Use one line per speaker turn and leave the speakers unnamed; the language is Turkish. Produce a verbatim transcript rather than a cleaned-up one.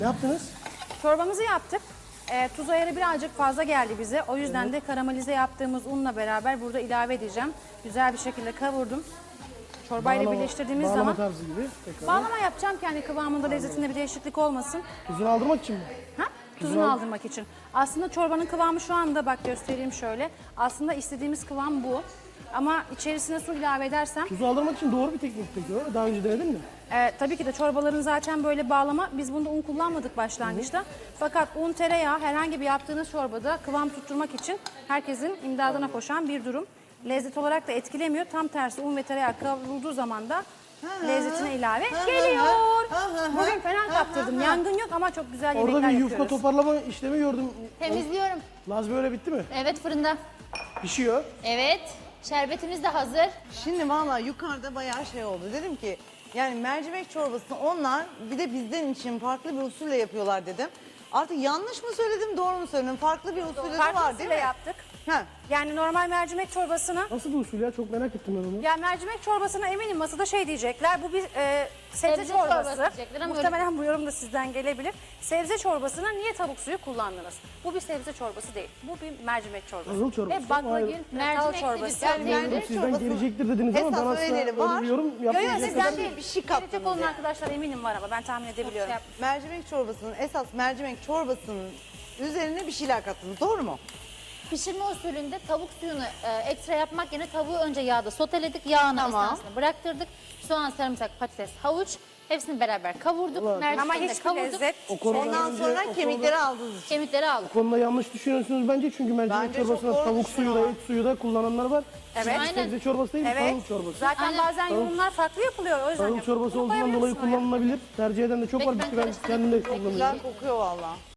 Ne yaptınız?
Çorbamızı yaptık. E, tuz ayarı birazcık fazla geldi bize. O yüzden evet. de karamelize yaptığımız unla beraber burada ilave edeceğim. Güzel bir şekilde kavurdum. Çorbayla
Bağlama-
birleştirdiğimiz
bağlama
zaman
tarzı gibi. Tekrar.
bağlama yapacağım ki hani kıvamında lezzetinde bir değişiklik olmasın.
Tuzunu aldırmak için mi?
Ha? Tuzunu aldırmak için. Aslında çorbanın kıvamı şu anda bak göstereyim şöyle. Aslında istediğimiz kıvam bu. Ama içerisine su ilave edersem
Tuzu aldırmak için doğru bir teknik peki öyle. Daha önce denedin mi?
e, tabii ki de çorbaların zaten böyle bağlama. Biz bunda un kullanmadık başlangıçta. Fakat un, tereyağı herhangi bir yaptığınız çorbada kıvam tutturmak için herkesin imdadına koşan bir durum. Lezzet olarak da etkilemiyor. Tam tersi un ve tereyağı kavrulduğu zaman da lezzetine ilave geliyor. Bugün fena kaptırdım. Yangın yok ama çok güzel yemekler
Orada bir
yapıyoruz.
yufka toparlama işlemi gördüm.
Temizliyorum.
Laz böyle bitti mi?
Evet, fırında.
Pişiyor.
Evet. Şerbetimiz de hazır.
Şimdi valla yukarıda bayağı şey oldu. Dedim ki yani mercimek çorbasını onlar bir de bizden için farklı bir usulle yapıyorlar dedim. Artık yanlış mı söyledim, doğru mu söyledim? Farklı bir usulü de var
Farklı
değil
usulle
mi?
yaptık.
Ha.
Yani normal mercimek çorbasına,
Nasıl bir usul ya? Çok merak ettim ben onu.
ya mercimek çorbasına eminim masada şey diyecekler. Bu bir e, sebze,
Sebze
çorbası.
çorbası diyecekler ama
Muhtemelen bu yorum da sizden gelebilir. Sebze çorbasına niye tavuk suyu kullandınız? Bu bir sebze çorbası değil. Bu bir mercimek çorbası.
Tahıl çorbası.
Ve baklagil
Hayır.
mercimek
Mercimek
çorbası.
de
Yani
güzel
mercimek
Sizden
çorbası
gelecektir dediniz ama
esas
ben asla
öyleleri
öyle
var.
bir yorum
Yok yok
yapmayacağım.
sizden
sizden
değil.
bir şey
Gelecek
kaptınız
olan
yani.
arkadaşlar eminim var ama ben tahmin edebiliyorum.
Mercimek çorbasının esas mercimek çorbasının üzerine bir şeyler kattınız. Doğru mu?
Pişirme usulünde tavuk suyunu e, ekstra yapmak yerine tavuğu önce yağda soteledik. Yağını
Tamam.
esnasında bıraktırdık. Soğan, sarımsak, patates, havuç. Hepsini beraber kavurduk.
Ulan.
Ama
Mercimekle
hiçbir
kavurduk.
lezzet.
O konuda
Ondan
önce-
sonra
o
kemikleri aldınız için.
Kemikleri aldık.
Bu konuda yanlış düşünüyorsunuz bence çünkü mercimek
Bence çok
çorbasına
doğru
tavuk suyu da
düşünüyorlar.
et suyu da kullananlar var.
Evet.
Çünkü
Aynen.
Sebze çorbası değil,
Evet.
tavuk çorbası.
Zaten
Aynen.
bazen yorumlar farklı yapılıyor. O yüzden
Tavuk
yapıyorum.
çorbası
Bunu
olduğundan dolayı
koyabilirsin oraya.
kullanılabilir. Tercih eden de çok
Peki,
var.
ben
Ben, ben
karıştırayım.
kendim de
Güzel
kullanıyorum.
kokuyor valla.